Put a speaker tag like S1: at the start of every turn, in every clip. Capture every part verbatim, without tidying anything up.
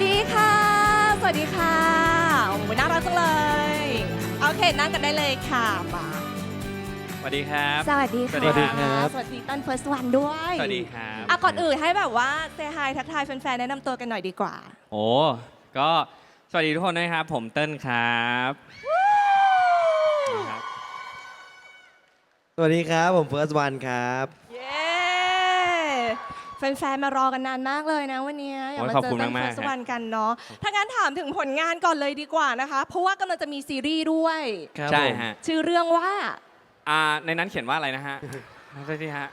S1: ดีค่ะสวัสดีค่ะโอ้โหน่ารักจังเลยโอเคนั่งกันได้เลยค่ะมา
S2: สวัสดีครับ
S1: สวัสดีค่ะ
S2: สวัสดีครับ
S1: สวัสดีต้น first one ด้วย
S2: สวัสดีครับ
S1: อ่ะก่อนอื่นให้แบบว่าเซฮายทักทายแฟนๆแนะนำตัวกันหน่อยดีกว่า
S2: โอ้ก็สวัสดีทุกคนนะครับผมเติ้ลครับ
S3: สวัสดีครับผมเฟิร์สวันครับ
S1: เย้แฟนๆมารอกันนานมากเลยนะวันนี้อยากมาเจอต้น first one กันเนาะถ้างั้นถามถึงผลงานก่อนเลยดีกว่านะคะเพราะว่ากำลังจะมีซีรีส์ด้วย
S2: ใช่ฮะ
S1: ชื่อเรื่องว่า
S2: อ่าในนั้นเขียนว่าอะไรนะฮะใช่ที่ฮะ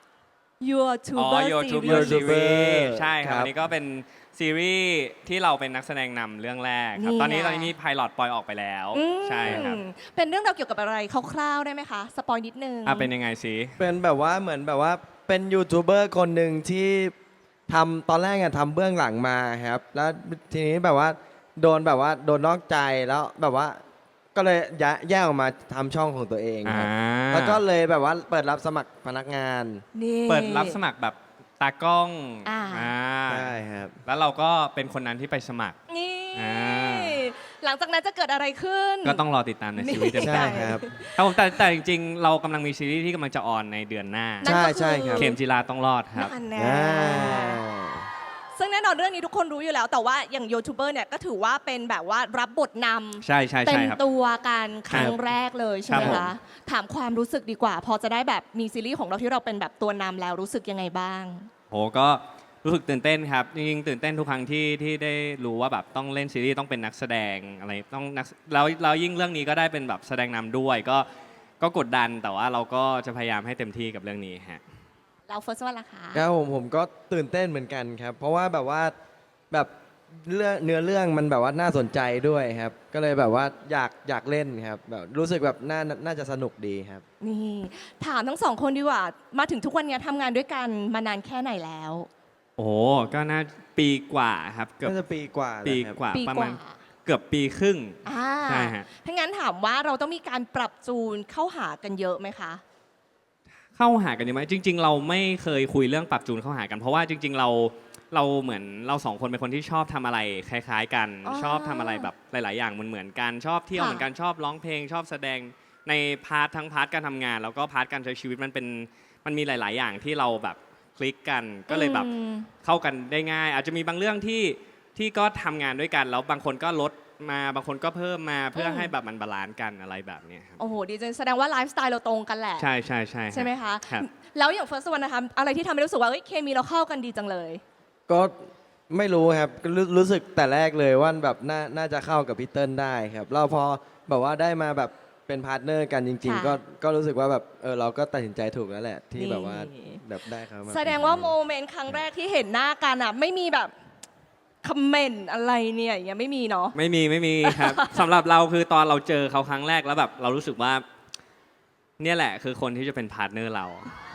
S1: Your
S2: อ๋อ
S1: Tuber
S2: Your Tuber
S1: Series
S2: Series ใช่ครับ
S3: ครับ
S2: อันนี้ก็เป็นซีรีส์ที่เราเป็นนักแสดงนำเรื่องแรกครับ
S1: นี่
S2: ตอนนี้
S1: ไง
S2: ตอนนี้มีไพลอตปล่อยออกไปแล้ว
S1: อืม
S2: ใช่ครับ
S1: เป็นเรื่องราวเกี่ยวกับอะไรคร่าวๆได้ไหมคะสปอยนิดนึง
S2: อ่ะเป็นยังไงสิ
S3: เป็นแบบว่าเหมือนแบบว่าเป็นยูทูบเบอร์คนหนึ่งที่ทำตอนแรกอะทำเบื้องหลังมาครับ แล้วทีนี้แบบว่าโดนแบบว่าโดนนอกใจแล้วแบบว่าก็เลยย้ายแยกออกมาทำช่องของตัวเอง
S2: อ่า
S3: ครับแล้วก็เลยแบบว่าเปิดรับสมัครพนักงาน
S1: นี่
S2: เปิดรับสมัครแบบตากล้อง
S1: อ่า
S2: อ่า
S3: ใช่ครับ
S2: แล้วเราก็เป็นคนนั้นที่ไปสมัคร
S1: นี่
S2: อ่า
S1: หลังจากนั้นจะเกิดอะไรขึ้น
S2: ก็ต้องรอติดตามในซีรีส์เต็ม
S3: ใช่
S2: ๆ
S3: ครับ
S2: ครับผมแต่แต่จริงๆ เรากำลังมีซีรีส์ที่กำลังจะออนในเดือนหน้า
S1: นั่นก็
S3: ใช่ใช่ครับ
S2: เข็มจีราต้องรอดครับ
S1: นั่นแน่
S3: อ่า
S1: ซึ่งแน่นอนเรื่องนี้ทุกคนรู้อยู่แล้ว แต่ว่าอย่างยูทูบเบอร์เนี่ยก็ถือว่าเป็นแบบว่ารับบทนำ
S2: ใช่ใช่
S1: เต็
S2: ใช่
S1: ม
S2: ครับ
S1: ตัวกันครั้งแรกเลยใช่ไหม
S2: ครับผม
S1: คะถามความรู้สึกดีกว่า พอจะได้แบบมีซีรีส์ของเราที่เราเป็นแบบตัวนำแล้วรู้สึกยังไงบ้าง
S2: โหก็รู้สึกตื่นเต้นครับจริงๆตื่นเต้นทุกครั้งที่ที่ได้รู้ว่าแบบต้องเล่นซีรีส์ต้องเป็นนักแสดงอะไรต้องนักแล้วแล้วยิ่งเรื่องนี้ก็ได้เป็นแบบแสดงนำด้วยก็ก็กดดันแต่ว่าเราก็จะพยายามให้เต็มที่กับเรื่องนี้ฮะ
S1: เราเฟิร์สวันละคะ
S3: ครับผมผมก็ตื่นเต้นเหมือนกันครับ เพราะว่าแบบว่าแบบเรื่องเนื้อเรื่องมันแบบว่าน่าสนใจด้วยครับ ก็เลยแบบว่าอยากอยากเล่นครับแบบรู้สึกแบบน่าน่าจะสนุกดีครับ
S1: นี่ถามทั้งสองคนดีกว่ามาถึงทุกวันนี้ทำงานด้วยกันมานานแค่ไหนแล้ว
S2: โอ้โหก็น่าปีกว่าครับเกือบ
S3: น่าจะปีกว่า
S2: ปี
S3: แล้วครับ
S2: กว่า
S1: ปี
S2: ประ
S1: ก
S2: มา
S1: ว่า
S2: ณเกือบปีครึ่ง
S1: อ่า
S2: ใช่ฮะ
S1: ถ้างั้นถามว่าเราต้องมีการปรับจูนเข้าหากันเยอะไหมคะ
S2: เข้าหากันดีไหมจริง ๆ เราไม่เคยคุยเรื่องปรับจูนเข้าหากัน เพราะว่าจริง ๆ เราเราเหมือนเราสองคนเป็นคนที่ชอบทำอะไรคล้าย ๆ กัน
S1: อ๋อ
S2: ชอบทำอะไรแบบหลาย ๆ อย่างเหมือนๆกันชอบเที่ยว
S1: ค่ะ
S2: เหมือนกันชอบร้องเพลงชอบแสดงในพาร์ททั้งพาร์ทการทำงาน แล้วก็พาร์ทการใช้ชีวิตมันเป็นมันมีหลาย ๆ อย่างที่เราแบบคลิกกันก็เลยแบบ
S1: อืม
S2: เข้ากันได้ง่าย อาจจะมีบางเรื่องที่ที่ก็ทำงานด้วยกัน แล้วบางคนก็ลดมาบางคนก็เพิ่มมาเพื่อให้แบบมันบาลานซ์กันอะไรแบบเนี้ยครับ
S1: โอ้โหดีจังแสดงว่าไลฟ์สไตล์เราตรงกันแหละ
S2: ใช่ใช่ใช่
S1: ใช่ไหมคะ
S2: ครับ
S1: แล้วอย่างเฟิร์สวันนะคะอะไรที่ทำให้รู้สึกว่าเอ้ยเคมีเราเข้ากันดีจังเลย
S3: ก็ไม่รู้ครับก็รู้รู้สึกแต่แรกเลยว่าแบบน่าน่าจะเข้ากับพี่เติ้ลได้ครับเราพอแบบว่าได้มาแบบเป็นพาร์ทเนอร์กันจริง
S1: ค่ะ
S3: ๆ ก็ก็รู้สึกว่าแบบเออเราก็ตัดสินใจถูกแล้วแหละ ที่
S1: นี่
S3: แบบว่าแบบได้ครับ
S1: แสดงว่าโมเมนต์ครั้งแรกที่เห็นหน้ากันอ่ะไม่มีแบบคอมเมนต์อะไรเนี่ยอย่างเงี้ยไม่มีเนาะ
S2: ไม่มีไม่มีครับ สำหรับเราคือตอนเราเจอเขาครั้งแรกแล้วแบบเรารู้สึกว่า เนี่ยแหละคือคนที่จะเป็นพาร์ทเนอร์เรา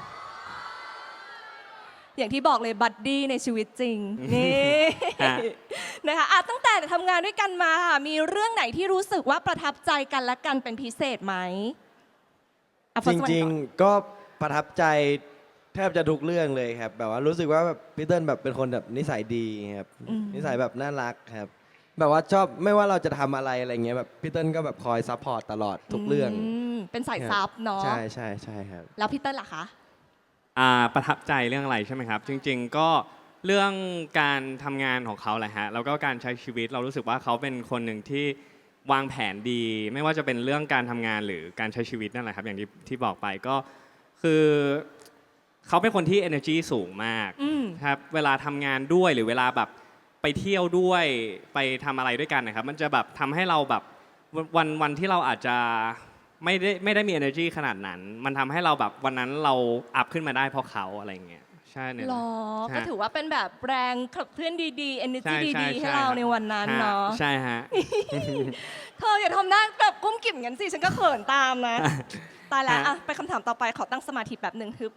S1: อย่างที่บอกเลยบัดดี้ในชีวิตจริง นี่
S2: ฮะ
S1: นะคะอ่ะตั้งแต่ทำงานด้วยกันมาค่ะมีเรื่องไหนที่รู้สึกว่าประทับใจกันและกันเป็นพิเศษไหมอ่ะ
S3: จ
S1: First One
S3: ริง
S1: ก่อน
S3: ๆ ก็ประทับใจแทบจะทุกเรื่องเลยครับ แบบว่ารู้สึกว่าแบบพี่เติ้ลแบบเป็นคนแบบนิสัยดีครับ
S1: อืม
S3: นิสัยแบบน่ารักครับ แบบว่าชอบไม่ว่าเราจะทำอะไรอะไรเงี้ยแบบพี่เติ้ลก็แบบคอยซัพพอร์ตตลอดทุกเรื่อง
S1: มเป็นสายซับเนาะ
S3: ใช่ใช่ใช่ครับ
S1: แล้วพี่เติ้ลล่ะคะ
S2: อ่าประทับใจเรื่องอะไรใช่ไหมครับ จริง ๆ ก็เรื่องการทำงานของเขาแหละฮะแล้วก็การใช้ชีวิตเรารู้สึกว่าเขาเป็นคนหนึ่งที่วางแผนดี ไม่ว่าจะเป็นเรื่องการทำงานหรือการใช้ชีวิตนั่นแหละครับ อย่างที่ที่บอกไปก็คือเขาเป็นคนที่ energy สูงมาก
S1: อืม
S2: ครับเวลาทำงานด้วยหรือเวลาแบบไปเที่ยวด้วยไปทำอะไรด้วยกันนะครับ มันจะแบบทำให้เราแบบวันวันที่เราอาจจะไม่ได้ไม่ได้มี energy ขนาดนั้น มันทำให้เราแบบวันนั้นเราอัพขึ้นมาได้เพราะเขาอะไรอย่างเงี้ยใช่เนี่ย
S1: หรอ
S2: ใช่
S1: ก็ถือว่าเป็นแบบแรงขับเคลื่อนดีๆ
S2: ใช่
S1: energy
S2: ใช่
S1: ดีๆ ให้
S2: ใช่
S1: เรา
S2: ครับ
S1: ในวันนั้นเนาะ
S2: ใช่ฮะ
S1: เธออย่าทำหน้าแบบกุ้มกิ่มงั้นสิ ฉันก็เขินตามนะ ตายแล้ว
S2: ฮะ
S1: อ่ะไปคำถามต่อไปขอตั้งสมาธิแบบหนึ่งฮึบ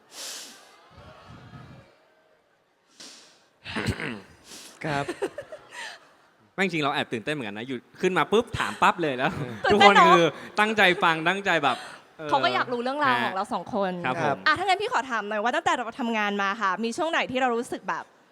S3: ครับ
S2: ไม่จริงเราแอบตื่นเต้นเหมือนกันนะอยู่ขึ้นมาปุ๊บถามปั๊บเลยแล้ว
S1: ตื่
S2: ทุ
S1: น
S2: ก
S1: เต้
S2: คน น
S1: เนอะ
S2: คือตั้งใจฟังตั้งใจแบบ
S1: เขาก็อยากรู้เรื่องราวของเราสองคน
S2: ครับผม
S1: อ่ะถ้างั้นพี่ขอถามหน่อยว่าตั้งแต่เราทำงานมาค่ะ มีช่วงไหนที่เรารู้สึกแบบ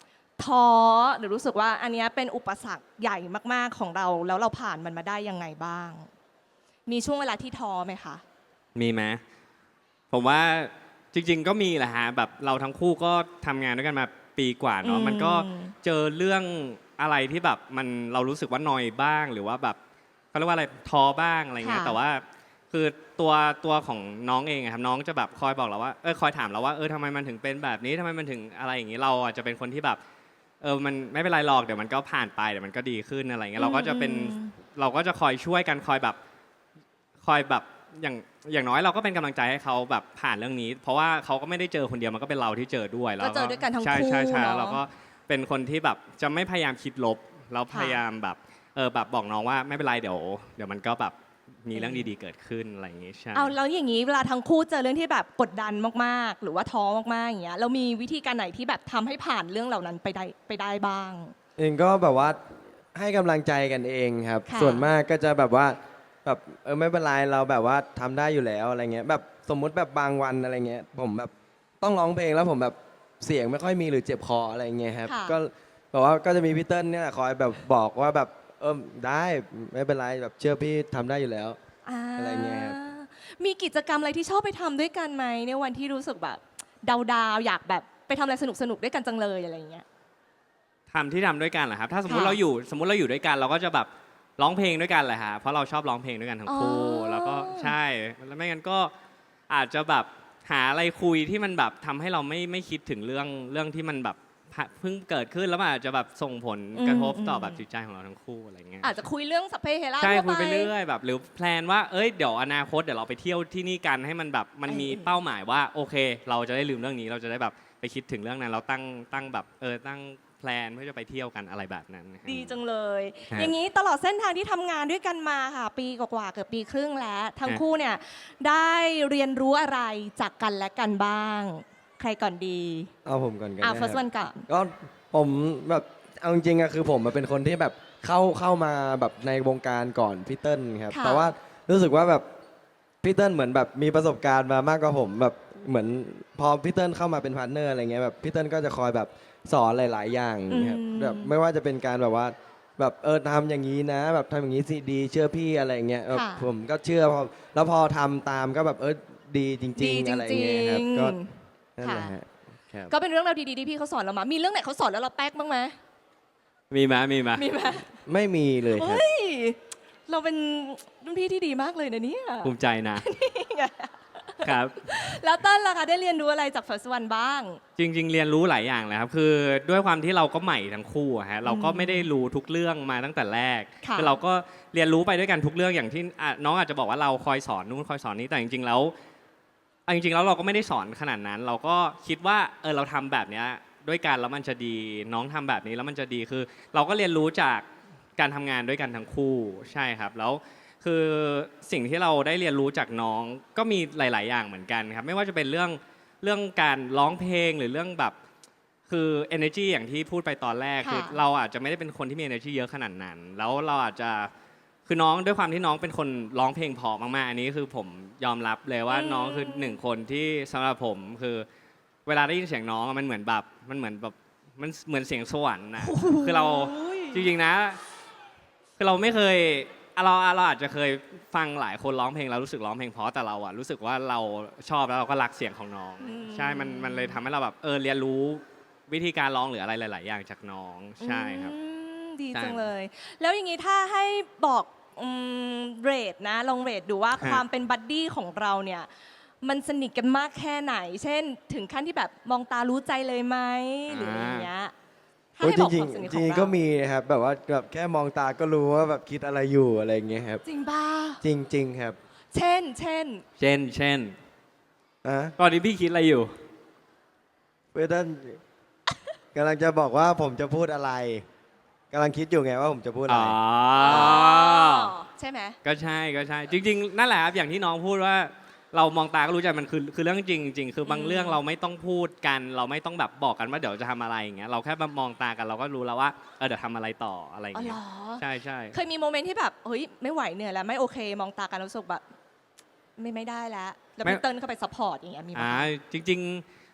S1: ท้อหรือรู้สึกว่าอันเนี้ยเป็นอุปสรรคใหญ่มากๆของเรา แล้วเราผ่านมันมาได้ยังไงบ้าง มีช่วงเวลาที่ท้อไหมคะ
S2: มีไหมผมว่าจริง ๆ ก็มีแหละฮะแบบเราทั้งคู่ก็ทำงานด้วยกันมาปีกว่าเนาะ
S1: อืม
S2: มันก็เจอเรื่องอะไรที่แบบมันเรารู้สึกว่านอยบ้างหรือว่าแบบเขาเรียกว่าอะไรท้อบ้างอะไรเงี้ย
S1: ค่ะ
S2: แต่ว่าคือตัวตัวของน้องเองอะครับน้องจะแบบคอยบอกเราว่าเออคอยถามเราว่าเออทำไมมันถึงเป็นแบบนี้ทำไมมันถึงอะไรอย่างนี้เราอาจจะเป็นคนที่แบบเออมันไม่เป็นไรหรอกเดี๋ยวมันก็ผ่านไปเดี๋ยวมันก็ดีขึ้นอะไรเงี้ยเราก็จะเป็น
S1: อืม
S2: เราก็จะคอยช่วยกันคอยแบบคอยแบบอย่างอย่างน้อยเราก็เป็นกำลังใจให้เขาแบบผ่านเรื่องนี้ เพราะว่าเขาก็ไม่ได้เจอคนเดียวมันก็เป็นเราที่เจอด้วยแล้ว
S1: ก็เจอด้วยกันทั้ง
S2: ใช่
S1: คู่
S2: ใช่ใช่
S1: เนอะ
S2: เราก็เป็นคนที่แบบจะไม่พยายามคิดลบเราพยายามแบบเออแบบบอกน้องว่าไม่เป็นไรเดี๋ยวเดี๋ยวมันก็แบบมีเรื่องดีๆเกิดขึ้นอะไรอย่างงี้ใช่
S1: เอาแล้วอย่างนี้เวลาทั้งคู่เจอเรื่องที่แบบกดดันมากๆ หรือว่าท้อมากๆอย่างเงี้ยเรามีวิธีการไหนที่แบบทำให้ผ่านเรื่องเหล่านั้นไปได้ไปได้บ้าง
S3: เองก็แบบว่าให้กำลังใจกันเองครับ
S1: ค่ะ
S3: ส่วนมากก็จะแบบว่าแบบเออไม่เป็นไรเราแบบว่าทำได้อยู่แล้วอะไรเงี้ยแบบสมมุติแบบบางวันอะไรเงี้ยผมแบบต้องร้องเพลงแล้วผมแบบเสียงไม่ค่อยมีหรือเจ็บคออะไรเงี้ยครับ
S1: ค่ะ
S3: ก็แบบว่าก็จะมีพี่เติ้ลเนี่ยคอยแบบบอกว่าแบบเออได้ไม่เป็นไรแบบเชื่อพี่ทำได้อยู่แล้ว
S1: า
S3: อะไรเงี้ยครับ
S1: มีกิจกรรมอะไรที่ชอบไปทำด้วยกันไหมในวันที่รู้สึกแบบดาวๆอยากแบบไปทำอะไรสนุกๆด้วยกันจังเลยอะไรอย่างเงี้ย
S2: ทำที่ทำด้วยกันเหรอครับ ถ้าสมมติ
S1: ค่ะ
S2: เราอยู่สมมติเราอยู่ด้วยกันเราก็จะแบบร้องเพลงด้วยกันแหละฮะเพราะเราชอบร้องเพลงด้วยกันทั้งคู่
S1: อ๋อ
S2: แล้วก็ใช่แล้วไม่งั้นก็อาจจะแบบหาอะไรคุยที่มันแบบทำให้เราไม่ไม่คิดถึงเรื่องเรื่องที่มันแบบเพิ่งเกิดขึ้นแล้วมันอาจจะแบบส่งผลกระทบต่อแบบจิตใจของเราทั้งคู่อะไรเงี้ย
S1: อาจจะคุยเรื่องสัพเพเหระ
S2: ใช่
S1: ทั่ว
S2: คุยไปเรื่อยแบบหรือแพลนว่าเอ้ยเดี๋ยวอนาคตเดี๋ยวเราไปเที่ยวที่นี่กันให้มันแบบมันมี
S1: เออ
S2: เป้าหมายว่าโอเค เราจะได้ลืมเรื่องนี้เราจะได้แบบไปคิดถึงเรื่องนั้นเราตั้งตั้งแบบเออตั้งแพลนเพื่อจะไปเที่ยวกันอะไรแบบนั้นนะฮะ
S1: ดีจังเลย
S2: ครับ
S1: อย่างนี้ตลอดเส้นทางที่ทำงานด้วยกันมาค่ะ ปีกว่าๆเกือบปีครึ่งแล้ว ทั้ง
S2: ครับ
S1: คู่เนี่ยได้เรียนรู้อะไรจากกันและกันบ้าง ใครก่อนดี
S3: เอาผมก่อนกัน
S1: อ่า
S3: นะค
S1: first
S3: รับ
S1: one ก่อน
S3: ก็ผมแบบเอาจริงๆอะคือผมเป็นคนที่แบบเข้าเข้ามาแบบในวงการก่อนพี่เติ้ลครับ
S1: ค่ะ
S3: แต่ว่ารู้สึกว่าแบบพี่เติ้ลเหมือนแบบมีประสบการณ์มามากกว่าผมแบบเหมือนพอพี่เติ้ลเข้ามาเป็นพาร์ทเนอร์อะไรเงี้ยแบบพี่เติ้ลก็จะคอยแบบสอนหลาย ๆ อย่างครับ
S1: อืม
S3: แบบไม่ว่าจะเป็นการแบบว่าแบบเออทำอย่างนี้นะ แบบทำอย่างนี้สิดีเชื่อพี่อะไรเงี้ยแบบผมก็เชื่อพอแล้วพอทำตามก็แบบเออดีจริ
S1: ดี
S3: ง
S1: จ
S3: ๆ อะไร
S1: ริ
S3: เงี้ยครับ
S1: ง
S3: ก็
S1: ๆ
S3: นั่นแหละฮะครับ
S1: ก็เป็นเรื่องราวดีๆที่พี่เขาสอนเรามา มีเรื่องไหนเขาสอนแล้วเราแป๊กบ้างไหม
S2: มีไหมมีไหม
S1: มีไหม
S3: ไม่มีเลยครับ
S1: เฮ้ย เราเป็นรุ่นพี่ที่ดีมากเลยนะเนี่ย
S2: ภูมิใจนะ ครับ
S1: แล้วเต้นล่ะคะได้เรียนรู้อะไรจาก first one บ้าง
S2: จริง ๆ เรียนรู้หลายอย่างเลยครับคือด้วยความที่เราก็ใหม่ทั้งคู่อะฮะเราก็ไม่ได้รู้ทุกเรื่องมาตั้งแต่แรก
S1: ค่ะ
S2: อเราก็เรียนรู้ไปด้วยกันทุกเรื่องอย่างที่อ่ะน้องอาจจะบอกว่าเราคอยสอนนู่นคอยสอนนี้แต่จริง ๆ แล้วอ่ะจริง ๆ แล้วเราก็ไม่ได้สอนขนาดนั้น เราก็คิดว่าเออเราทำแบบเนี้ยด้วยกันแล้วมันจะดีน้องทำแบบนี้แล้วมันจะดีคือ เราก็เรียนรู้จากการทำงานด้วยกันทั้งคู่ใช่ครับแล้ว คือสิ่งที่เราได้เรียนรู้จากน้องก็มีหลาย ๆ อย่างเหมือนกันครับไม่ว่าจะเป็นเรื่องเรื่องการร้องเพลงหรือเรื่องแบบคือ energy อย่างที่พูดไปตอนแรก
S1: ค่ะ
S2: คือเราอาจจะไม่ได้เป็นคนที่มี energy เยอะขนาดนั้น แล้วเราอาจจะคือน้องด้วยความที่น้องเป็นคนร้องเพลงเพอมาก ๆ อันนี้คือผมยอมรับเลยว่าน้องคือหนึ่งคนที่สำหรับผมคือเวลาได้ยินเสียงน้องอะมันเหมือนแบบมันเหมือนแบบมันเหมือนเสียงสวรรค์นะคือเราจริง ๆ นะ คือเราไม่เคยเราเราอาจจะเคยฟังหลายคนร้องเพลงแล้วรู้สึกร้องเพลงเพราะแต่เราอะรู้สึกว่าเราชอบแล้วเราก็รักเสียงของน้อง
S1: อืม
S2: ใช่มันมันเลยทำให้เราแบบเออเรียนรู้วิธีการร้องหรืออะไรหลาย ๆ อย่างจากน้องใช่ครับ
S1: อืมดี
S2: ใช่
S1: จังเลย แล้วอย่างนี้ถ้าให้บอกอืมเรทนะลองเรทดูว่า
S2: ฮะ
S1: ความเป็นบัดดี้ของเราเนี่ย มันสนิทกันมากแค่ไหน เช่น ถึงขั้นที่แบบมองตารู้ใจเลยไหมหรืออย่างเงี้ยถ้า
S3: โอ้ย
S1: ให้
S3: จ
S1: บอก
S3: ริ
S1: ค
S3: ง
S1: วามสนิท
S3: ๆ
S1: ข
S3: จ
S1: อง
S3: ริง
S1: เรา
S3: ๆก็มีนะครับแบบว่าแบบแค่มองตาก็รู้ว่าแบบคิดอะไรอยู่อะไรอย่างเงี้ยครับ
S1: จริงป่ะ
S3: จริง ๆ ครับ
S1: เช่น เช่น
S2: เช่นเช่น
S3: อ่ะ
S2: ตอนนี้พี่คิดอะไรอยู่
S3: เพื่อนกำลังจะบอกว่าผมจะพูดอะไรกำลังคิดอยู่ไงว่าผมจะพูดอะไร
S2: อ๋อ
S1: ใช่ไหม
S2: ก็ใช่ก็ใช่ จริง ๆ นั่นแหละครับอย่างที่น้องพูดว่าเรามองตาก็รู้ใจมันคือคือเรื่องจริงจริงคือบาง
S1: อืม
S2: เรื่องเราไม่ต้องพูดกัน เราไม่ต้องแบบบอกกันว่าเดี๋ยวจะทำอะไรอย่างเงี้ยเราแค่มามองตากันเราก็รู้แล้วว่าเออเดี๋ยวทำอะไรต่ออะไรอย่า
S1: อ๋อง เหร
S2: เงี้ย
S1: อ
S2: ใช่ใช่
S1: เคยมีโมเมนต์ที่แบบเฮ้ยไม่ไหวเหนื่อยแล้วไม่โอเค มองตากันแล้วรู้สึกแบบไม่ไม่ได้แล้วแล้ว
S2: ไม่
S1: พี่เติ้ลเข้าไปซัพพอร์ตอย่างเงี้ยมีไหม
S2: อ่า
S1: คะ
S2: จริง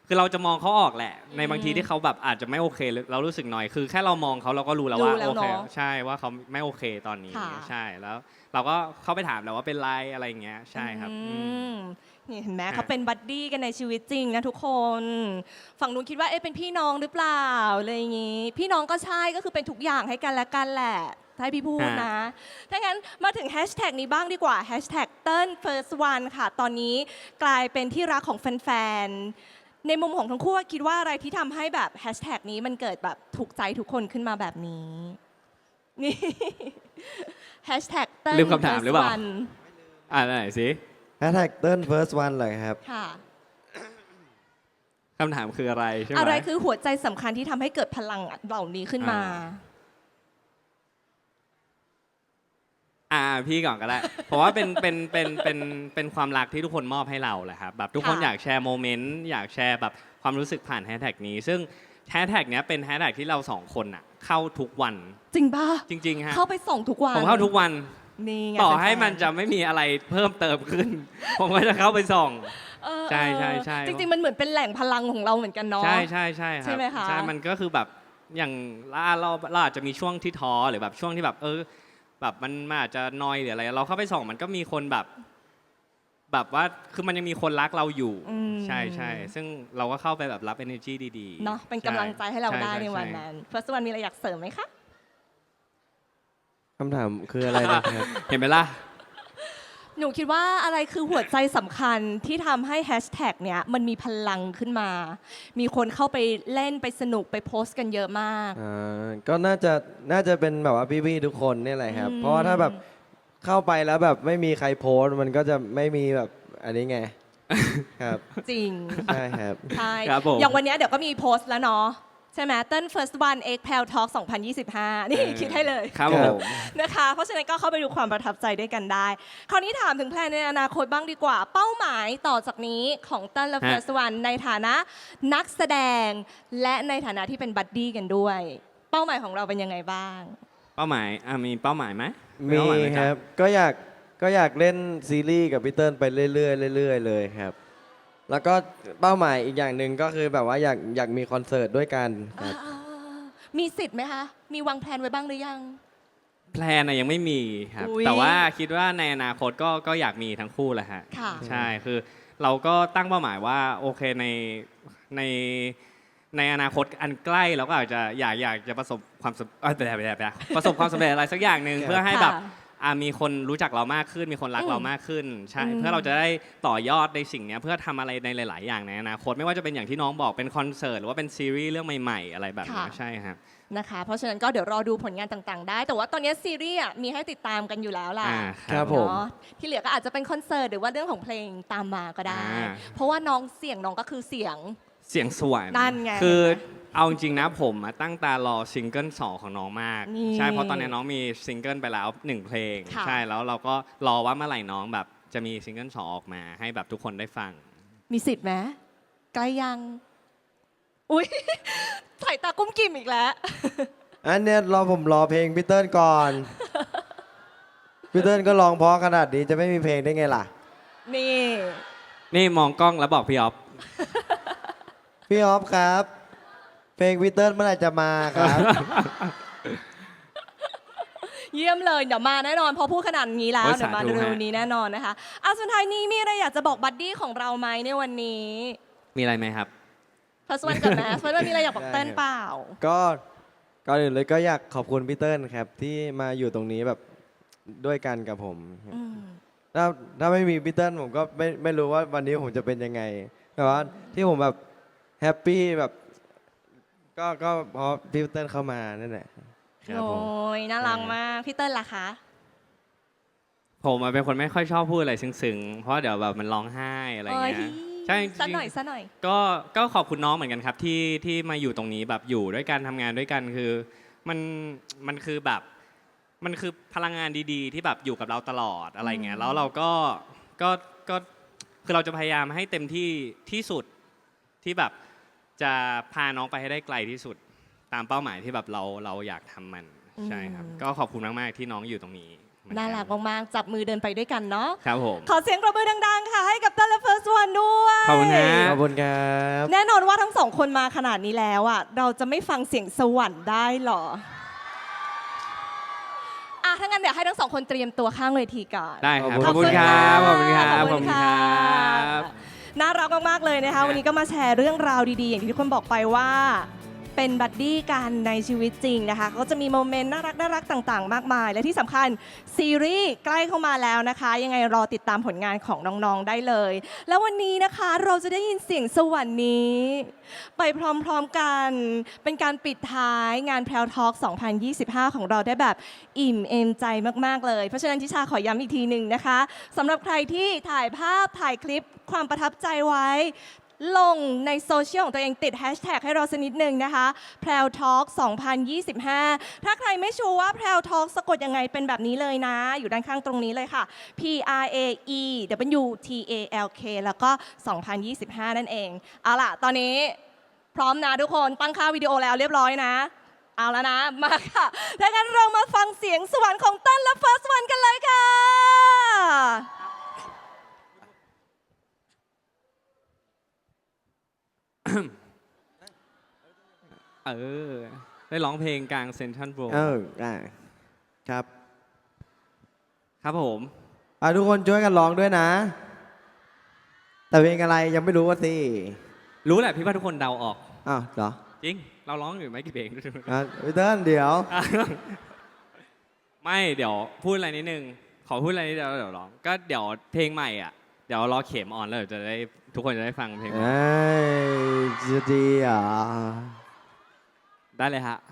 S2: คือเราจะมองเขาออกแหละ ใน
S1: อืม
S2: บางทีที่เขาแบบอาจจะไม่โอเคเรารู้สึกหน่อยคือแค่เรามองเขาเราก็รู้แล้วว่า
S1: รู้แล้ว
S2: โอเค
S1: เนอะ
S2: ใช่ว่าเขาไม่โอเคตอนนี้
S1: ค่ะ
S2: ใช่แล้ว เราก็เข้าไปถามแล้วว่าเป็นไรอะไรอย่างเงี้ยใช่ครับ
S1: อื
S2: อืม
S1: มนี่เห็นไหม
S2: ฮะ
S1: เขาเป็นบัดดี้กันในชีวิตจริงนะทุกคน ฝั่งนู้นคิดว่าเอ๊ะเป็นพี่น้องหรือเปล่าอะไรอย่างงี้ พี่น้องก็ใช่ก็คือเป็นทุกอย่างให้กันและกันแหละถ้าให้พี่พูดนะ ถ้างั้นมาถึงแฮชแท็กนี้บ้างดีกว่าแฮชแท็กเติ้ล first one ค่ะ ตอนนี้กลายเป็นที่รักของแฟนๆ ในมุมของทั้งคู่คิดว่าอะไรที่ทำให้แบบแฮชแท็กนี้มันเกิดแบบถูกใจทุกคนขึ้นมาแบบนี้ นี่แฮชแท็กเติ้ล
S2: ลืมคำถามหรือเปล่า
S1: first one
S2: อ่าไหนสิ
S3: แฮชแท็กเติ้ล first one เลยครับ
S1: ค่ะ
S2: คำถามคืออะไรใช่ไหม
S1: อะไรคือหัวใจสำคัญที่ทำให้เกิดพลังเหล่านี้ขึ้นมา
S2: อ่าพี่ก่อนก็ได้ เพราะว่าเป็นเป็นเป็นเป็นเป็นความรักที่ทุกคนมอบให้เราแหละครับแบบทุกคน
S1: ค่ะ
S2: อยากแชร์โมเมนต์อยากแชร์แบบความรู้สึกผ่านแฮชแท็กนี้ ซึ่งแฮชแท็กเนี้ยเป็นแฮชแท็กที่เราสองคนอะเข้าทุกวัน
S1: จริงป่ะ
S2: จริงๆฮะ
S1: เข้าไปส่องทุกวัน
S2: ผมเข้าทุกวัน
S1: นี่ไง
S2: ต่อให้
S1: แฟๆ
S2: มันจะไม่มีอะไรเพิ่มเติมขึ้น ผมก็จะเข้าไปส่อง
S1: เออ
S2: ใช่ใช่ใช่
S1: จริง ๆ มันเหมือนเป็นแหล่งพลังของเราเหมือนกันเนาะ
S2: ใช่ใช่ใช่ครับ
S1: ใช่ไหมคะ
S2: ใช่มันก็คือแบบอย่างเราเราเราอาจจะมีช่วงที่ท้อหรือแบบช่วงที่แบบเออแบบมันมันอาจจะนอยหรืออะไร เราเข้าไปส่องมันก็มีคนแบบ แบบว่าคือมันยังมีคนรักเราอยู่
S1: อืม
S2: ใช่ใช่ซึ่งเราก็เข้าไปแบบรับ energy ดีๆ
S1: เนาะเป็นกำลังใจให้เรา
S2: ช่
S1: ได้
S2: ช่
S1: ในวัน
S2: ช่
S1: นั้น first one มีอะไรอยากเสริมไหมคะ
S3: คำถามคืออะไรนะครับ
S2: เห็นไหมล่ะ
S1: หนูคิดว่าอะไรคือหัวใจสำคัญที่ทำให้แฮชแท็กเนี้ยมันมีพลังขึ้นมา มีคนเข้าไปเล่นไปสนุกไปโพสต์กันเยอะมาก
S3: อ่าก็น่าจะน่าจะเป็นแบบว่าพี่ๆทุกคนนี่แหละครับ
S1: อืม
S3: เพราะว่าถ้าแบบเข้าไปแล้วแบบไม่มีใครโพสต์มันก็จะไม่มีแบบอันนี้ไง ครับ
S1: จริง
S3: ใช่ครับ
S1: ใช่
S2: ครับผม
S1: อย่างวันเนี้ยเดี๋ยวก็มีโพสต์แล้วเนาะใช่ไหมเติ้ล first one X p a l Talk สองพันยี่สิบห้านี่
S2: เออ
S1: คิดให้เลย
S2: ครับ
S3: ค
S2: ผ
S3: รับ
S2: ม
S1: นะคะ เพราะฉะนั้นก็เข้าไปดูความประทับใจด้วยกันได้ คราวนี้ถามถึงแพลนในอนาคตบ้างดีกว่า เป้าหมายต่อจากนี้ของเติ้ลและ
S2: ฮะ
S1: first one ในฐานะนักแสดง และในฐานะที่เป็นบัดดี้กันด้วย เป้าหมายของเราเป็นยังไงบ้าง
S2: เป้าหมายอ่ะมีเป้าหมายไหม
S3: มี
S2: เป้าหายไห
S3: ค
S2: จ๊ะ
S3: รับก็อยากก็อยากเล่นซีรีส์กับพี่เติ้ลไปเรื่อยๆเรื่อยๆเลยครับ แล้วก็เป้าหมายอีกอย่างหนึ่งก็คือแบบว่าอยากอยากมีคอนเสิร์ตด้วยกันครับ
S1: อ่ามีสิทธิ์ไหมคะ มีวางแผนไว้บ้างหรือยัง
S2: แพลนอะยังไม่มีครับ
S1: อุ๊ย
S2: แต่ว่าคิดว่าในอนาคตก็ก็อยากมีทั้งคู่แหละฮะ
S1: ค่ะ
S2: ใช่คือเราก็ตั้งเป้าหมายว่าโอเคในในในอนาคตอันใกล้เราก็อาจจะอยากอยากจะประสบความสำเอ้ยแบบแบบแบบประสบความสำเร็จอะไรสักอย่างหนึ่ง
S3: ครับ
S2: เพื่อให้แบบ
S1: ค่ะ
S2: อ่ะมีคนรู้จักเรามากขึ้น มีคนรัก
S1: อืม
S2: เรามากขึ้นใช่
S1: อืม
S2: เพื่อเราจะได้ต่อยอดในสิ่งเนี้ยเพื่อทำอะไรในหลาย ๆ อย่างในอนาคตไม่ว่าจะเป็นอย่างที่น้องบอกเป็นคอนเสิร์ตหรือว่าเป็นซีรีส์เรื่องใหม่ ๆ อะไรแบบนี้ใช่ครับ
S1: นะคะ เพราะฉะนั้นก็เดี๋ยวรอดูผลงานต่างๆ ได้ แต่ว่าตอนนี้ซีรีส์อ่ะมีให้ติดตามกันอยู่แล้วล่ะ
S2: อ่า
S3: ครับผม
S1: เนาะที่เหลือก็อาจจะเป็นคอนเสิร์ตหรือว่าเรื่องของเพลงตามมาก็ได้
S2: อ่า
S1: เพราะว่าน้องเสียงน้องก็คือเสียง
S2: เสียงสวรรค์
S1: นั่นไง
S2: คือ
S1: เห็นไหม
S2: เอาจริงๆนะผมอะตั้งตารอซิงเกิลสองของน้องมาก
S1: นี่
S2: ใช่เพราะตอนนี้น้องมีซิงเกิลไปแล้วหนึ่งเพลง
S1: ค่ะ
S2: ใช่แล้วเราก็รอว่าเมื่อไหร่น้องแบบจะมีซิงเกิลสองออกมาให้แบบทุกคนได้ฟัง
S1: มีสิทธิ์ไหมใกล้ยัง อุ้ย สายตากุ้มกิ่มอีกแล้ว
S3: อันเนี้ยรอผมรอเพลงพี่เติ้ลก่อน พี่เติ้ลก็ร้องเพราะขนาดนี้จะไม่มีเพลงได้ไงล่ะ
S1: นี่
S2: นี่มองกล้องแล้วบอกพี่ออฟ
S3: พี่ออฟครับ เพลงพี่เติ้ลเมื่อไหร่จะมาครับ
S1: เยี่ยมเลยเดี๋ยวมาแน่นอนเพอพูดขนาดนี้แล้ว
S2: โอ้ย
S1: เดี๋ยวมา
S2: สาธุ
S1: เร็ว
S2: ฮะ
S1: ๆนี้แน่นอนนะคะอ่ะสุดท้ายนี้มีอะไรอยากจะบอกบัดดี้ของเราไหมในวันนี้
S2: มีอะไรไหมครับ
S1: พัสวันก่อนนะพัสวันมีอะไรอยากบอก
S3: ได้
S1: เต้น
S3: ครับ
S1: เปล่า
S3: ก็ก่อนอื่นเลยก็อยากขอบคุณพี่เติ้ลครับ ที่มาอยู่ตรงนี้แบบด้วยกันกับผม
S1: อืม
S3: ถ้าถ้าไม่มีพี่เติ้ลผมก็ไม่ไม่รู้ว่าวันนี้ผมจะเป็นยังไงแต่ว่าที่ผมแบบแฮปปี้แบบ ก็ก็เพราะพี่เติ้ลเข้ามานั่นแหละครับ
S1: โอ้
S3: ผม
S1: ยน่ารักมากพี่เติ้ลล่ะคะ
S2: ผมอะเป็นคนไม่ค่อยชอบพูดอะไรซึ้งๆ เพราะเดี๋ยวแบบมันร้องไห้อะไรเงี้ย
S1: โอ้ย
S2: ใช่จริงๆ
S1: สักหน่อยสักหน่อย
S2: ก็ก็ขอบคุณน้องเหมือนกันครับที่ที่มาอยู่ตรงนี้แบบอยู่ด้วยกันทำงานด้วยกันคือมันมันคือแบบมันคือพลังงานดีๆ ที่แบบอยู่กับเราตลอดอะไรเงี้
S1: อื
S2: ย
S1: ม
S2: แล้วเราก็ก็ก็คือเราจะพยายามให้เต็มที่ที่สุดที่แบบจะพาน้องไปให้ได้ไกลที่สุดตามเป้าหมายที่แบบเราเราอยากทำมันใช่ครับก็ขอบคุณมากๆที่น้องอยู่ตรงนี้เหมือนกั
S1: น่ารักมากๆจับมือเดินไปด้วยกันเนาะ
S2: ครับผม
S1: ขอเสียงปรบมือดังๆ ค่ะ ให้กับตันและเฟิร์สวันด้วย
S2: ขอบคุณนะ
S3: ขอบคุณครับ
S1: แน่นอนว่าทั้งสองคนมาขนาดนี้แล้วอ่ะเราจะไม่ฟังเสียงสวรรค์ได้หรออ่ะถ้างั้นเดี๋ยวให้ทั้งสองคนเตรียมตัวข้างเวทีก่อน
S2: ได้ครับ
S3: ข
S2: ข
S3: อ
S2: อ
S3: บบ คุ
S2: คุณ ณ
S3: ค
S2: ค
S3: รั
S2: รับ บ ขอบคุณครับ ข
S1: ข
S2: อ
S1: อ
S2: บบ
S1: คุ
S2: คุณ
S1: ณ
S2: ค
S1: ค่ะ
S2: รับ
S1: น่ารักมากๆเลยนะคะ วันนี้ก็มาแชร์เรื่องราวดีๆ อย่างที่ทุกคนบอกไปว่า เป็นบัดดี้กันในชีวิตจริงนะคะเขาจะมีโมเมนต์น่ารักน่ารักต่างๆ มากมาย และที่สำคัญซีรีส์ใกล้เข้ามาแล้วนะคะ ยังไงรอติดตามผลงานของน้องๆได้เลย แล้ววันนี้นะคะเราจะได้ยินเสียงสวรรค์นี้ ไปพร้อมๆกัน เป็นการปิดท้ายงานแพรวทอล์กสองพันยี่สิบห้า ของเราได้แบบอิ่มเอมใจมากๆเลย เพราะฉะนั้นทิชาขอย้ำอีกทีหนึ่งนะคะสำหรับใครที่ถ่ายภาพถ่ายคลิปความประทับใจไว้ ลงในโซเชียลของตัวเองติดแฮชแท็กให้เราสักนิดหนึ่งนะคะ แพรวทอล์กสองพันยี่สิบห้า ถ้าใครไม่ชัวร์ว่าแพรวทอล์กสะกดยังไงเป็นแบบนี้เลยนะ อยู่ด้านข้างตรงนี้เลยค่ะ P R A E W T A L K แล้วก็ สองพันยี่สิบห้า นั่นเอง เอาล่ะ ตอนนี้พร้อมนะทุกคนตั้งค่าวิดีโอแล้วเรียบร้อยนะ เอาแล้วนะ มาค่ะ ถ้างั้นเรามาฟังเสียงสวรรค์ของเต้นและเฟิร์สวันกันเลยค่ะ
S2: เออ ได้ร้องเพลงกลางเซนทรัลโบว์
S3: เออได้ครับ
S2: ครับผม
S3: อ่ะทุกคนช่วยกันร้องด้วยนะ แต่เพลงอะไรยังไม่รู้ว่าสิ
S2: รู้แหละพี่ว่าทุกคนเดาออก
S3: อ้าวเหรอ
S2: จริง เราร้องอยู่ไม่กี่เพลง
S3: อ่ะพี่เติ้ลเดี๋ยว
S2: ไม่เดี๋ยวพูดอะไรนิดนึง ขอพูดอะไรนิดเดียวแล้วเดี๋ยวร้อง ก็เดี๋ยวเพลงใหม่อ่ะ เดี๋ยวรอเข็มออนแล้วเดี๋ยวจะได้ทุกคนจะได้ฟังเพลงใหม่
S3: เอ้ยจะดีเหรอ่ะ
S2: ได้เลยฮะ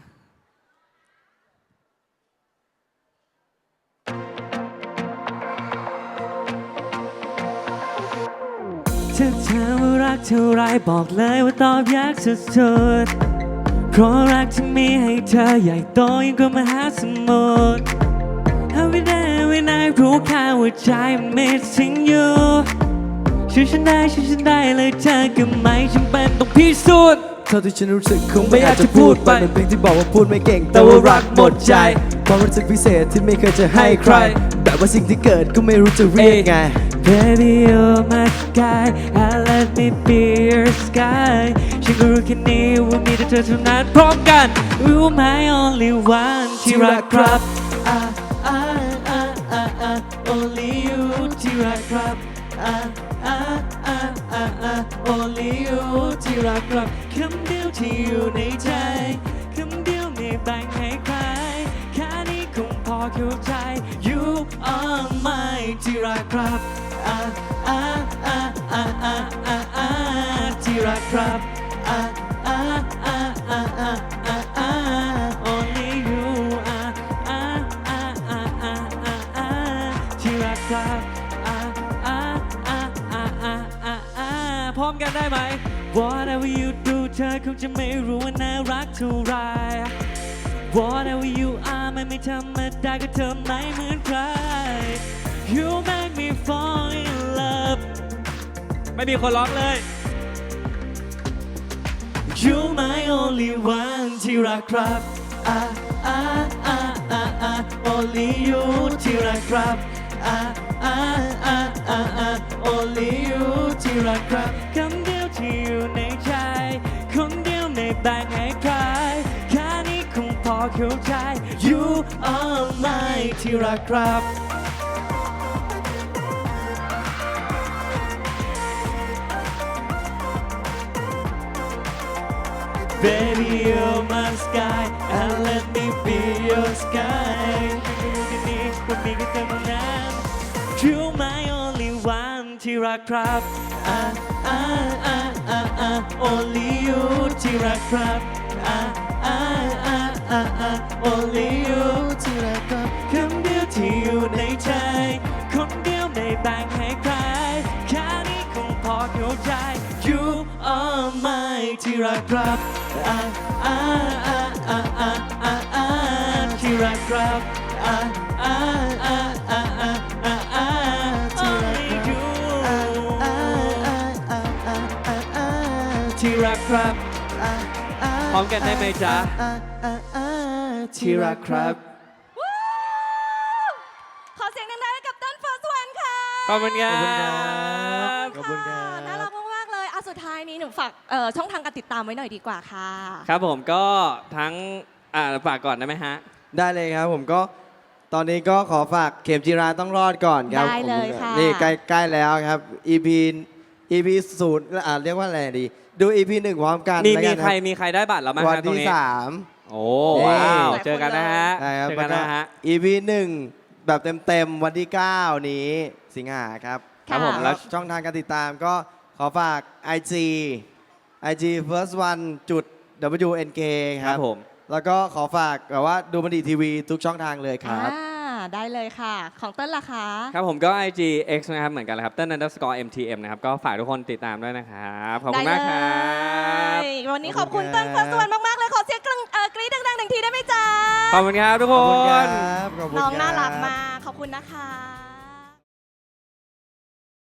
S4: ถ้าเธอว่ารักเท่าไรบอกเลยว่าตอบยากสุดๆเพราะรักที่มีให้เธอใหญ่โตยิ่งกว่ามหาสมุทร Every day every night รู้แค่ว่าใจมัน missing you ช่วยฉันได้ช่วยฉันได้เลยเธอก็ไม่จำเป็นต้องพิสูจน์
S3: เท่าที่ฉันรู้สึกคงไม่อยากจะพูดไปเป็นเพลงที่บอกว่าพูดไม่เก่ง แต่ว่ารักหมดใจความรู้สึกพิเศษที่ไม่เคยจะให้ใคร แบบว่าสิ่งที่เกิดก็ไม่รู้จะเรียกไง
S4: Baby you're my sky and let me be your sky ฉันก็รู้แค่นี้ว่ามีแต่เธอเท่านั้นพร้อมกัน You my only one ที่รักครับ อ่ะอ่ะอ่ะอ่ะอ่ะ Only you ที่รักครับ อ่ะอ่ะอ่ะอ่ะอ่ะ Only you ที่รักครับคำเดียวที่อยู่ในใจคำเดียวไม่แบ่งให้ใครแค่นี้คงพอเข้าใจ You are my ที่รักครับ อ่ะอ่ะอ่ะอ่ะอ่ะอ่ะอ่ะที่รักครับ อ่ะอ่ะอ่ะอ่ะอ่ะอ่ะอ่ะ Only you อ่ะอ่ะอ่ะอ่ะอ่ะอ่ะอ่ะที่รักครับ อ่ะอ่ะอ่ะอ่ะอ่ะอ่ะอ่ะพร้อมกันได้ไหม Whatever you do เธอคงจะไม่รู้ว่าน่ารักเท่าไร Whatever you are มันไม่ธรรมดาก็เธอไม่เหมือนใคร You make me fall in love
S2: ไม่มีคนร้องเลย
S4: You my only one ที่รักครับ อ่ะอ่ะอ่ะอ่ะอ่ะ Only you ที่รักครับ อ่ะอ่ะอ่ะอ่ะอ่ะ Only you ที่รักครับคำเดียวที่อยู่ในใจคนเดียวไม่แบ่งให้ใครแค่นี้คงพอเข้าใจ You are my ที่รักครับ Baby you're my sky and let me be your sky ฉันก็รู้แค่นี้ว่ามีแค่เธอเท่านั้น You my only one ที่รักครับ อ่ะอ่ะอ่ะอ่ะอ่ะ Only you ที่รักครับ อ่ะอ่ะอ่ะอ่ะอ่ะ Only you ที่รักครับคำเดียวที่อยู่ในใจคนเดียวไม่แบ่งให้ใครแค่นี้คงพอเข้าใจ You are my ที่รักครับ อ่ะอ่ะอ่ะอ่ะอ่ะอ่ะอ่ะที่รักครับ อ่ะอ่ะอ่ะอ่ะอ่ะอ่ะอ่ะที่รักครับที่รักครับ
S2: พร้อมกันได้ไหมจ๊ะ
S4: ที่รักครับ
S1: ขอเสียงดังๆให้กับเต้น First One ค่ะ
S4: ขอบคุณครั
S3: ขอบคุณครับ
S4: บ
S3: ขอบคุณครับ
S1: ะน่ารักมากๆเลยอ่ะสุดท้ายนี้หนูฝากเอ่อช่องทางการติดตามไว้หน่อยดีกว่าค่ะ
S2: ครับผมก็ทั้งอ่าฝากก่อนได้ไหมฮะ
S3: ได้เลยครับผมก็ตอนนี้ก็ขอฝากเข็มจีราต้องรอดก่อนครับ
S1: ได้เลยค่ะ
S3: ผมนี่ใกล้ใกล้แล้วครับ อี พี อี พี ศูนย์อ่าเรียกว่าอะไรดี ดู อี พี หนึ่งพร้อมกัน
S2: มี
S3: แล้ว
S2: มี
S3: กัน
S2: ใครมีใครได้บัตรแล้วไหม
S3: วัน
S2: ฮะตรง
S3: ที่
S2: นี้
S3: สาม
S2: โอ้ว้าว
S1: หลายคน
S2: เจอกันนะฮะ
S3: ใช่ครับ
S2: เจอกันนะฮะ
S3: อี พี หนึ่งแบบเต็มๆวันที่ เก้า นี้สิงหาครับ
S2: ครับผม
S1: ค่ะ
S2: แล้
S3: แล้ว วช่องทางการติดตามก็ขอฝาก ไอ จี ไอ จี first one จุด ดับเบิลยู เอ็น เค ค
S2: ค
S3: รั
S2: รับ บผม
S3: แล้วก็ขอฝากแบบว่าดูมันดีทีวีทุกช่องทางเลยครับ
S1: อ่าได้เลยค่ะ ของเต้นล่ะคะ
S2: ครับผมก็ ไอ จี X นะครับเหมือนกันเลยครับเต้น underscore เอ็ม ที เอ็ม นะครับก็ฝากทุกคนติดตามด้วยนะครับขอบคุณมากครั
S1: ได้
S2: บ
S1: เลยวันนี้ขอบคุณ
S3: ข
S1: เต้
S3: อบ
S1: น
S3: คุณ
S1: First
S3: ครับ
S1: One มากๆเลยขอเสียงกรี๊ดเอ่อกรี๊ดดังๆหนึ่งทีได้ไหมจ๊ะ
S2: ขอบคุณครับทุกค
S3: ขอบคุณครั
S2: น
S3: บขอบคุณ
S1: น้องน่า
S3: ค
S1: รั
S3: บ
S1: กมากขอบคุณนะคะ